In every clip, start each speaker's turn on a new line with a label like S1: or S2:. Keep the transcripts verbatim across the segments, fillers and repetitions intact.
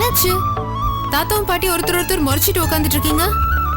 S1: என்னாச்சு? தாத்தாவும் பாட்டி ஒருத்தர் ஒருத்தர் முறைச்சிட்டு உட்காந்துட்டு இருக்கீங்க.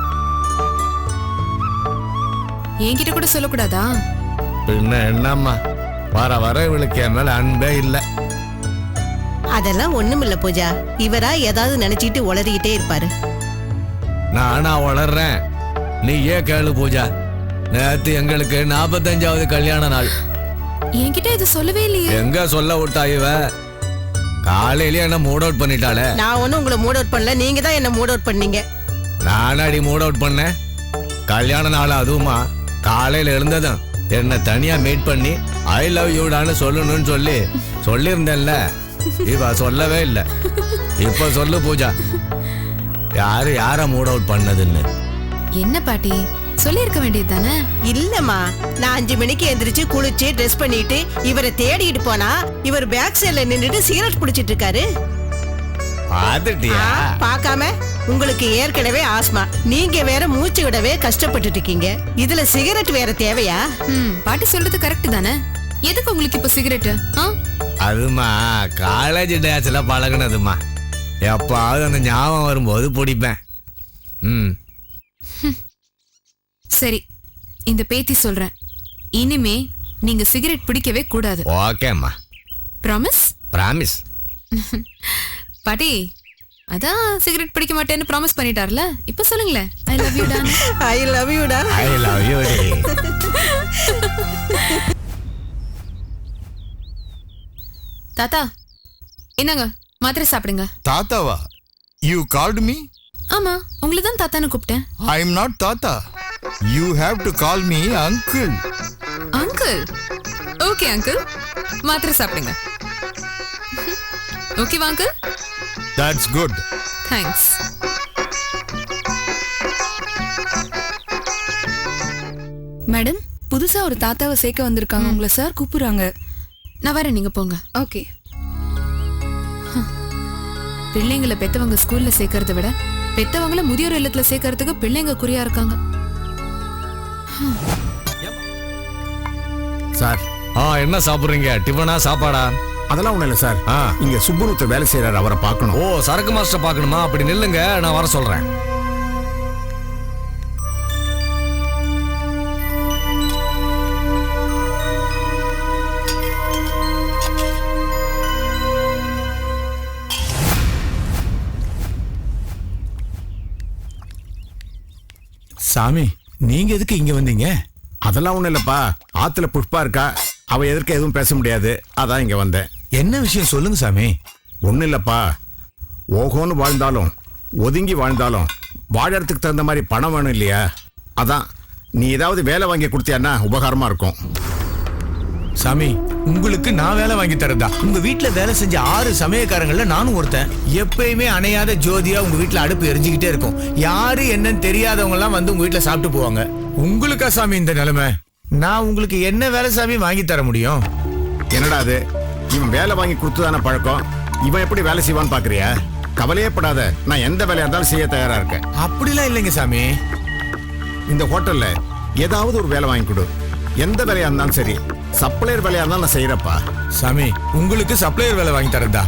S1: என்கிட்ட கூட சொல்லக்கூடாதா?
S2: பின்ன என்னம்மா, வர வர இவளுக்கு என் மேல அன்பே இல்ல.
S3: அதெல்லாம் ஒண்ணுமில்ல பூஜா, இவரா ஏதாவது நினைச்சிட்டு உளறிக்கிட்டே இருப்பாரு.
S2: நானா வளர்றேன், நீ ஏன் கேளு பூஜா. நேத்து எங்களுக்கு நாற்பத்தஞ்சாவது கல்யாண நாள்.
S1: என்கிட்ட இது சொல்லவே இல்லையே.
S2: எங்க சொல்ல விட்டா இவ? காலையில என்ன மூட் அவுட் பண்ணிட்டாளே.
S3: நான் ஒன்னும் உங்களை மூட் அவுட் பண்ணல, நீங்க தான் என்ன மூட் அவுட் பண்ணீங்க.
S2: நானாடி மூட் அவுட் பண்ணேன்? கல்யாண நாள் அதுவுமா காலையில எழுந்ததும் என்ன தனியா மீட் பண்ணி ஐ லவ் யூடான்னு சொல்லணும்னு சொல்லி சொல்லியிருந்தேன்ல, இவ சொல்லவே இல்லை. இப்ப சொல்லு பூஜா, யாரு யார மூட் அவுட் பண்ணதுன்னு?
S1: என்ன பாட்டி, சொல்லி இருக்க வேண்டியது தானே?
S3: இல்லம்மா, நான் அஞ்சு மணிக்கு எந்திரிச்சு குளிச்சு ட்ரெஸ் பண்ணிட்டு இவரை தேடிட்டு போனா இவர் பேக் சைட்ல நின்னுட்டு சிகரெட் குடிச்சிட்டு இருக்காரு.
S2: பாத்துட்டியா?
S3: பாக்காம? உங்களுக்கு ஏற்கனவே ஆஸ்மா, நீங்க வேற மூச்சு விடவே கஷ்டப்பட்டு இருக்கீங்க, இதுல சிகரெட் வேற தேவையா?
S1: ம், பாட்டி சொல்றது கரெக்ட் தானே. எதுக்கு உங்களுக்கு இப்ப சிகரெட்?
S2: அதுமா காலேஜ் டேஸ்ல பழகுனதுமா, எப்பாவது அந்த ஞாபகம் வரும்போது பிடிப்பேன். ம்
S1: சரி, இந்த பேத்தி சொல்றேன், இனிமே நீங்க சிகரெட் பிடிக்கவே கூடாது.
S2: ஓகேம்மா.
S1: ப்ராமிஸ்?
S2: ப்ராமிஸ்.
S1: பாட்டி, அதான் சிகரெட் பிடிக்க மாட்டேன்னு ப்ராமிஸ் பண்ணிட்டார்ல, இப்ப சொல்லுங்களேன். ஐ லவ் யூ டா.
S3: ஐ லவ் யூ டா.
S2: ஐ லவ் யூ டி.
S1: தாத்தா, என்னங்க மாத்திரை சாப்பிடுங்க.
S4: தாத்தாவா? You called me?
S1: ஆமா, உங்களை தான் தாத்தான்னு கூப்பிட்டேன்.
S4: I am not Tata. You have to call me uncle.
S1: Uncle? Okay uncle, மாத்திரை சாப்பிடுங்க. ஓகேவா uncle?
S4: That's good.
S1: Thanks.
S5: Madam, புதுசா ஒரு தாத்தாவை சேர்க்க வந்திருக்காங்க, உங்களை சார் கூப்பிடுறாங்க.
S1: நான் வரேன், நீங்க போங்க.
S5: ஓகே.
S1: பிள்ளைங்களை பெத்தவங்க ஸ்கூல்ல சேர்க்கறத விட பெத்தவங்கள முதியோர் இல்லத்துல சேர்க்கறதுக்கு பிள்ளைங்க குறியா இருக்காங்க.
S6: சார்,
S2: ஆ என்ன சாப்பிடுறீங்க? டிஃபனா சாப்பாடா?
S6: அதெல்லாம் ஒண்ணும் இல்ல சார்.
S2: ஆ,
S6: இங்க சுப்புனுத்த வேலை செய்யறாரு, அவரை பார்க்கணும்.
S2: ஓ, சரக்கு மாஸ்டர் பார்க்கணுமா? அப்படி நில்லுங்க, நான் வர சொல்றேன்.
S6: சாமி, நீங்க எதுக்கு இங்க வந்தீங்க? அதெல்லாம் ஒண்ணும் இல்லப்பா, ஆத்துல புஷ்பா இருக்கா, அவ எதற்கு எதுவும் பேச முடியாது, அதான் இங்க வந்தேன்.
S7: என்ன விஷயம் சொல்லுங்க சாமி.
S6: ஒண்ணும் இல்லப்பா, ஓஹோன்னு வாழ்ந்தாலும் ஒதுங்கி வாழ்ந்தாலும் வாழறதுக்கு தகுந்த மாதிரி பணம் வேணும் இல்லையா? அதான் நீ ஏதாவது வேலை வாங்கி கொடுத்தியான்னா உபகாரமா இருக்கும்.
S7: சாமி, உங்களுக்கு நான் வேலை வாங்கி தரதா? உங்க வீட்டுல வேலை செஞ்ச ஆறு சமயக்காரங்கள்ல நானும் ஒருத்தன். எப்பயுமே அணையாத ஜோதியா உங்க வீட்டுல அடுப்பு எரிஞ்சுக்கிட்டே இருக்கும். யாரு என்னன்னு தெரியாதவங்க எல்லாம் வந்து உங்க வீட்டுல சாப்பிட்டு போவாங்க. உங்களுக்கா சாமி இந்த நிலைமை? நான் உங்களுக்கு என்ன வேலை சாமி வாங்கி தர முடியும்?
S6: என்னடா அது, இவன் வேலை வாங்கி கொடுத்துதான பழக்கம், இவன் எப்படி வேலை செய்வான்னு பாக்குறியா? கவலையே படாத, நான் எந்த வேலையா இருந்தாலும் செய்ய தயாரா இருக்கேன்.
S7: அப்படிலாம் இல்லைங்க சாமி.
S6: இந்த ஹோட்டல்ல ஏதாவது ஒரு வேலை வாங்கி கொடு, எந்த வேலையா இருந்தாலும் சரி. சப்ளையர் வேலையா இருந்தாலும் நான் செய்யறப்பா.
S7: சாமி, உங்களுக்கு சப்ளையர் வேலை வாங்கி தரதா?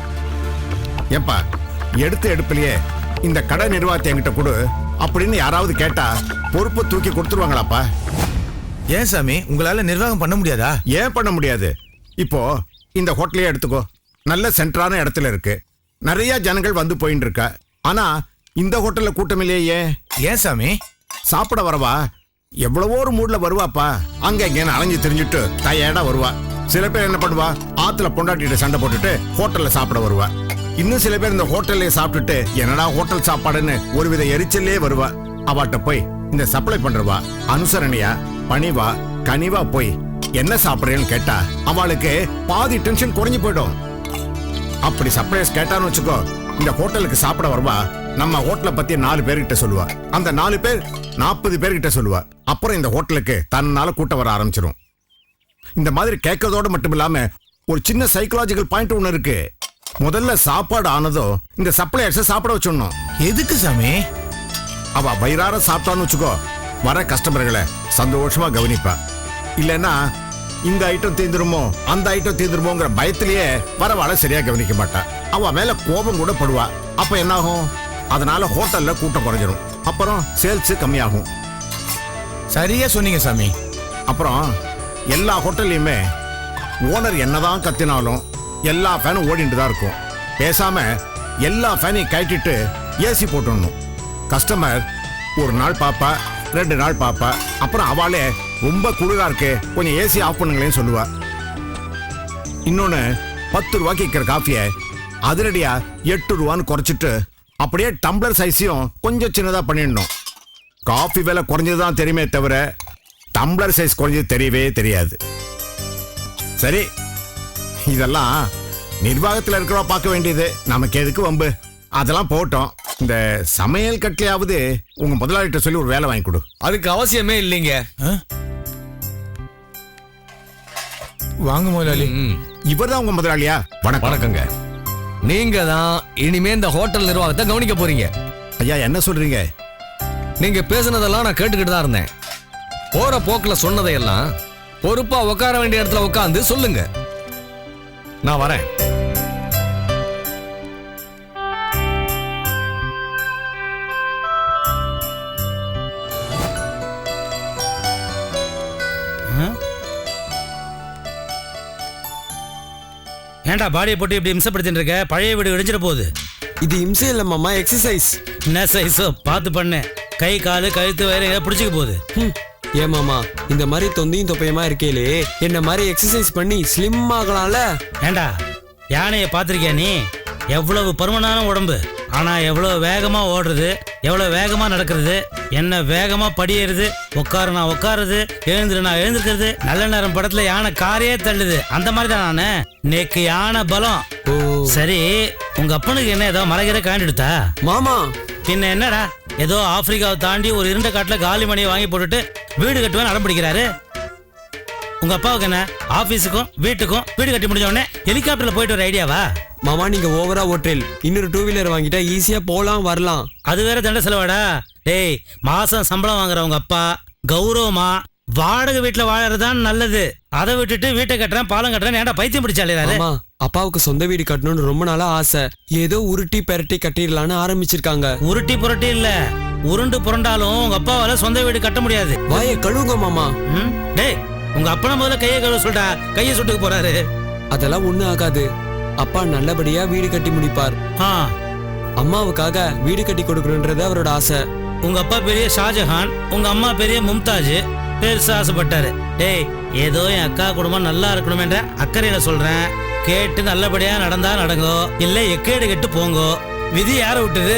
S6: ஏப்பா, எடுத்து எடுப்பிலேயே இந்த கடை நிர்வாகத்தை என்கிட்ட கொடு அப்படின்னு யாராவது கேட்டா பொறுப்பை தூக்கி கொடுத்துருவாங்களாப்பா?
S7: ஏன் சாமி, உங்களால நிர்வாகம் பண்ண முடியாதா?
S6: ஏன் பண்ண முடியாது? இப்போ இந்த ஹோட்டலையே எடுத்துக்கோ, நல்ல சென்டரான இடத்துல இருக்கு, நிறைய ஜனங்கள் வந்து போயின்னு இருக்கா. ஆனா இந்த ஹோட்டல்ல கூட்டம் இல்லையே.
S7: ஏன் சாமி?
S6: சாப்பிட வரவா எவ்வளவோ ஒரு மூட்ல வருவாப்பா, அங்க எங்கன்னு அலைஞ்சு தெரிஞ்சுட்டு டயர்டா வருவா. சில பேர் என்ன பண்ணுவா, ஆத்துல பொண்டாட்டிட்டு சண்டை போட்டுட்டு ஹோட்டல்ல சாப்பிட வருவா. இன்னும் சில பேர் இந்த ஹோட்டல்ல சாப்பிட்டுட்டு என்னடா ஹோட்டல் சாப்பாடுன்னு ஒருவித எரிச்சலே வருவா. அவாட்ட போய் இந்த சப்ளை பண்றவா அனுசரணையா பணிவா கனிவா போய் என்ன சாப்பிடுறேன்னு கேட்டா அவளுக்கு பாதி டென்ஷன் குறைஞ்சு போயிடும். அப்படி சப்ளைஸ் கேட்டான்னு வச்சுக்கோ, இந்த ஹோட்டலுக்கு சாப்பிட வருவா, நம்ம ஹோட்டலை பத்தி நாலு பேர்கிட்ட சொல்லுவா, அந்த நாலு பேர் நாற்பது பேர்கிட்ட சொல்லுவா. அப்புறம் இந்த ஹோட்டலுக்கு தன்னால கூட்டம் வர ஆரம்பிச்சிடும். இந்த மாதிரி கேட்கறதோட மட்டும் இல்லாம ஒரு சின்ன சைக்கலாஜிக்கல் பாயிண்ட் ஒண்ணு இருக்கு. முதல்ல சாப்பாடு ஆனதோ இந்த சப்ளையர்ஸை சாப்பிட வச்சிடணும்.
S7: எதுக்கு சாமி?
S6: அவ வயிறார சாப்பிட்டான்னு வச்சுக்கோ, வர கஸ்டமர்களை சந்தோஷமா கவனிப்பா. இல்லைன்னா இந்த ஐட்டம் தீந்துருமோ அந்த ஐட்டம் தீந்துருமோங்கிற பயத்திலேயே வரவாளை சரியா கவனிக்க மாட்டா. அவ மேல கோபம் கூட படுவா. அப்ப என்ன ஆகும்? அதனால ஹோட்டல்ல கூட்டம் குறைஞ்சிரும். அப்புறம் சேல்ஸ் கம்மியாகும்.
S7: சரியா சொன்னீங்க சாமி.
S6: அப்புறம் எல்லா ஹோட்டல்லையுமே ஓனர் என்னதான் கத்தினாலும் எல்லா ஃபேனும் ஓடிட்டு தான் இருக்கும். பேசாம எல்லா ஃபேனையும் கட்டிட்டு ஏசி போட்டுடணும். கஸ்டமர் ஒரு நாள் பாப்பா, ரெண்டு நாள் பாப்பா, அப்புறம் அவளே ரொம்ப குளிரா இருக்கு கொஞ்சம் ஏசி ஆஃப் பண்ணுங்களேன்னு சொல்லுவா. இன்னொன்னு, பத்து ரூபாய்க்கு விற்கிற காஃபியை அதிரடியா எட்டு ரூபான்னு குறைச்சிட்டு அப்படியே டம்ளர் சைஸையும் கொஞ்சம் சின்னதா பண்ணிடணும். காஃபி விலை குறைஞ்சதுதான் தெரியுமே தவிர டம்ளர் சைஸ் குறைஞ்சது தெரியவே தெரியாது. சரி, இதெல்லாம் நிர்வாகத்தில் இருக்கிறவ பார்க்க வேண்டியது, நமக்கு எதுக்கு வம்பு? அதெல்லாம் போட்டோம். இந்த சமையல் கட்டிலையாவது உங்க முதலாளிகிட்ட சொல்லி ஒரு வேலை வாங்கி கொடு.
S2: அதுக்கு அவசியமே இல்லைங்க.
S7: வாங்க முதலாளி.
S6: இவர் தான் உங்க முதலாளியா? வணக்கம்.
S2: வணக்கங்க. நீங்க தான் இனிமே இந்த ஹோட்டல் நிர்வாகத்தை கவனிக்க போறீங்க.
S6: ஐயா, என்ன சொல்றீங்க?
S2: நீங்க பேசுனதெல்லாம் நான் கேட்டுக்கிட்டு தான் இருந்தேன். போற போக்குல சொன்னதையெல்லாம் பொறுப்பா உட்கார வேண்டிய இடத்துல உட்காந்து சொல்லுங்க. நான் வரேன்.
S8: ஏன்டா பாடியை போட்டு இப்படி இம்சப்படுத்திட்டு இருக்க? பழைய வீடு இடிஞ்சிட போகுது.
S9: இது இம்சை இல்ல மாமா, எக்ஸசைஸ்.
S8: என்ன சைஸோ பார்த்து பண்ணு. கை காலு கழுத்து வயிறு ஏதாவது பிடிச்சிக்க போகுது.
S9: ஏன் மாமா, இந்த மாதிரி தொந்தியும் தொப்பையுமா இருக்கேலே, என்ன மாதிரி எக்ஸசைஸ் பண்ணி ஸ்லிம் ஆகலாம்ல?
S8: ஏண்டா யானையை பார்த்திருக்கியா நீ? எவ்வளவு பருமனான உடம்பு, ஆனா எவ்வளவு வேகமா ஓடுறது, எவ்வளவு வேகமா நடக்கிறது, என்ன வேகமா படியேறுது, உட்காரு நான் உட்காருது, எழுந்துரு நான் எழுந்திருக்கிறது. நல்ல நேரம் படத்துல யானை காரையே தள்ளுது, அந்த மாதிரி தான் நானு. நேக்கு யானை பலம். சரி, உங்க அப்பனுக்கு என்ன ஏதோ மலைகிற காண்டிடுதா
S9: மாமா?
S8: பின்ன என்னடா, ஏதோ ஆப்பிரிக்காவை தாண்டி ஒரு இருண்ட காட்டுல காலி மணியை வாங்கி போட்டுட்டு வீடு கட்டுவேன் அடம் பிடிக்கிறாரு. உங்க அப்பாவுக்கு என்ன, ஆபீஸுக்கும் வீட்டுக்கும் வீடு கட்டி முடிஞ்ச உடனே ஹெலிகாப்டர்ல போயிட்டு ஒரு ஐடியாவா?
S9: மாமா, நீங்க ஓவரா ஓட்டல். இன்னொரு டூ வீலர் வாங்கிட்டா ஈஸியா போலாம் வரலாம்.
S8: அது வேற தண்ட செலவாடா. டேய், மாசம் சம்பளம் வாங்குற உங்க அப்பா கௌரவமா வாடகை வீட்டுல வாழறதுதான் நல்லது. அதை விட்டுட்டு வீட்டை கட்டுறேன் பாலம் கட்டுறேன் ஏன்டா பைத்தியம் பிடிச்சாலே?
S9: அப்பாவுக்கு சொந்த வீடு கட்டணும்னு ரொம்ப நாளா ஆசை. ஏதோ உருட்டி பெரட்டி கட்டிடலான்னு ஆரம்பிச்சிருக்காங்க.
S8: உருட்டி புரட்டி இல்ல, உருண்டு புரண்டாலும் உங்க அப்பாவால சொந்த வீடு கட்ட முடியாது.
S9: வாயை கழுவுங்க மாமா.
S8: டேய், உங்க அப்பா முதல்ல கையை கழுவ சொல்லிட்டா, கையை சுட்டுக்கு போறாரு.
S9: அதெல்லாம் ஒண்ணு ஆகாது. அப்பா நல்லபடியா வீடு கட்டி முடிப்பார். அம்மாவுக்காக வீடு கட்டி கொடுக்கணும்ன்றது அவரோட ஆசை.
S8: உங்க அப்பா பெரிய ஷாஜஹான், உங்க அம்மா பெரிய மும்தாஜ். பெருசா ஆசைப்பட்டாரு. டேய், ஏதோ என் அக்கா குடும்பம் நல்லா இருக்கணும்ன்ற அக்கறையில சொல்றேன். கேட்டு நல்லபடியா நடந்தா நடங்கோ, இல்ல எக்கேடு கெட்டு போங்கோ. விதி யார விட்டுது?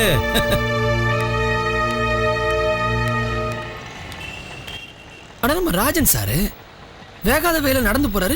S10: ஆனா நம்ம ராஜன் சாரு வேகாத வேலை நடந்து போறாரு.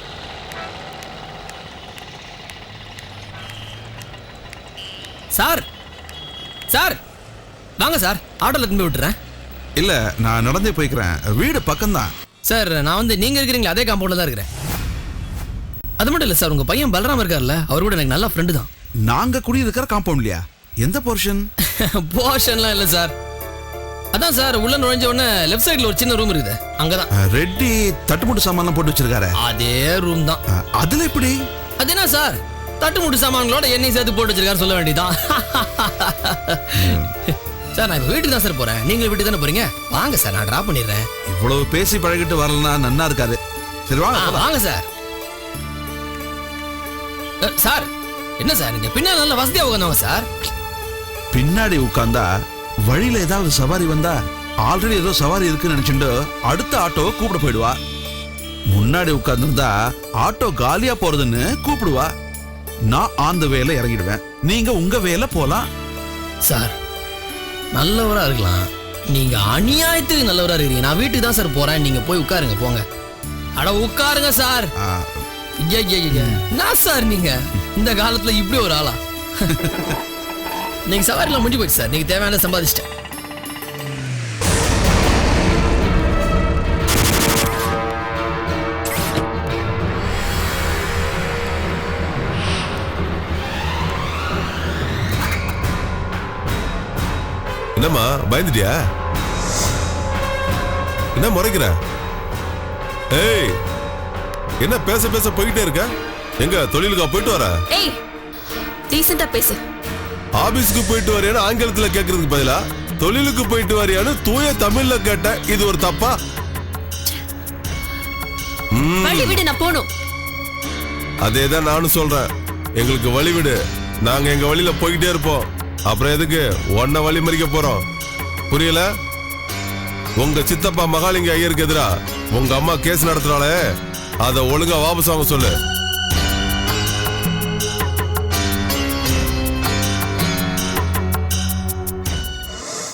S10: சார் சார் வாங்க சார், ஆட்டோல திரும்பி விட்டுறேன்.
S11: இல்ல, நான் நடந்தே போய்க்கிறேன், வீடு பக்கம்தான்.
S10: சார், நான் வந்து நீங்க இருக்கிறீங்களா அதே காம்பவுண்ட்ல தான் இருக்கிறேன். அது மட்டும் இல்ல சார், உங்க பையன் பலராம் இருக்கார்ல, அவர் கூட எனக்கு நல்ல ஃப்ரெண்டு தான்.
S11: நாங்க குடியிருக்கிற காம்பவுண்ட்லயா? எந்த போர்ஷன்?
S10: போர்ஷன்லாம் இல்ல சார், அதான் சார் உள்ள நுழைஞ்ச உடனே லெஃப்ட் சைடுல ஒரு சின்ன ரூம் இருக்குது, அங்கதான்.
S11: ரெட்டி தட்டுமுட்டு சாமான் போட்டு வச்சிருக்காரு,
S10: அதே ரூம் தான்.
S11: அதுல எப்படி?
S10: அது என்ன சார், தட்டுமுட்டு சாமான்களோட எண்ணெய் சேர்த்து போட்டு வச்சிருக்காரு சொல்ல வேண்டியதான். சார், நான் வீட்டுக்கு தான் சார் போறேன், நீங்க வீட்டுக்கு தானே போறீங்க? வாங்க சார், நான் டிராப் பண்ணிடுறேன்.
S11: இவ்வளவு பேசி பழகிட்டு வரலன்னா நன்னா இருக்காது. சரி வாங்க.
S10: வாங்க சார். சார், என்ன சார் நீங்க பின்னாடி நல்ல வசதியா உட்காந்தவங்க சார்.
S11: பின்னாடி உட்கார்ந்தா வழியில ஏதாவது சவாரி வந்தா ஆல்ரெடி ஏதோ சவாரி இருக்குன்னு நினைச்சுட்டு அடுத்த ஆட்டோவை கூப்பிட போயிடுவா. முன்னாடி உட்கார்ந்துருந்தா ஆட்டோ காலியா போறதுன்னு கூப்பிடுவா. நான் அந்த வேலை இறங்கிடுவேன், நீங்க உங்க வேலை போலாம்.
S10: சார், நல்லவரா இருக்கலாம், நீங்க அநியாயத்துக்கு நல்லவரா இருக்கீங்க. நான் வீட்டுக்கு தான் சார் போறேன், நீங்க போய் உட்காருங்க போங்க. அட உட்காருங்க சார். என்ன சார் நீங்க இந்த காலத்துல இப்படி ஒரு ஆளா? நீங்க சவாரில முடிஞ்சு போச்சு சார், நீங்க தேவையான சம்பாதிச்சிட்டேன்.
S12: என்னம்மா பயந்துட்டியா? என்ன முறைக்கிற? ஏய், என்ன பேச பேச போயிட்டே இருக்க? எங்க தொழிலுக்கா போயிட்டு வர?
S1: ஏய், டீசெண்டா பேசு.
S12: ஆபீஸ்க்கு போயிட்டு வரையான்னு ஆங்கிலத்துல கேக்குறதுக்கு பதிலா தொழிலுக்கு போயிட்டு வரையான்னு தூய தமிழ்ல கேட்ட இது ஒரு தப்பா?
S1: வழி விடு, நான் போணும்.
S12: அதேதான் நானும் சொல்றேன். எங்களுக்கு வழி விடு, நாங்க எங்க வழியில போய்கிட்டே இருப்போம். அப்புறம் எதுக்கு ஒன்ன வழி மறிக்க போறோம்? புரியல? உங்க சித்தப்பா மகாலிங்க ஐயருக்கு எதிரா உங்க அம்மா கேஸ் நடத்துறாளே, அத ஒழுங்கா வாபஸ் வாங்க சொல்லு.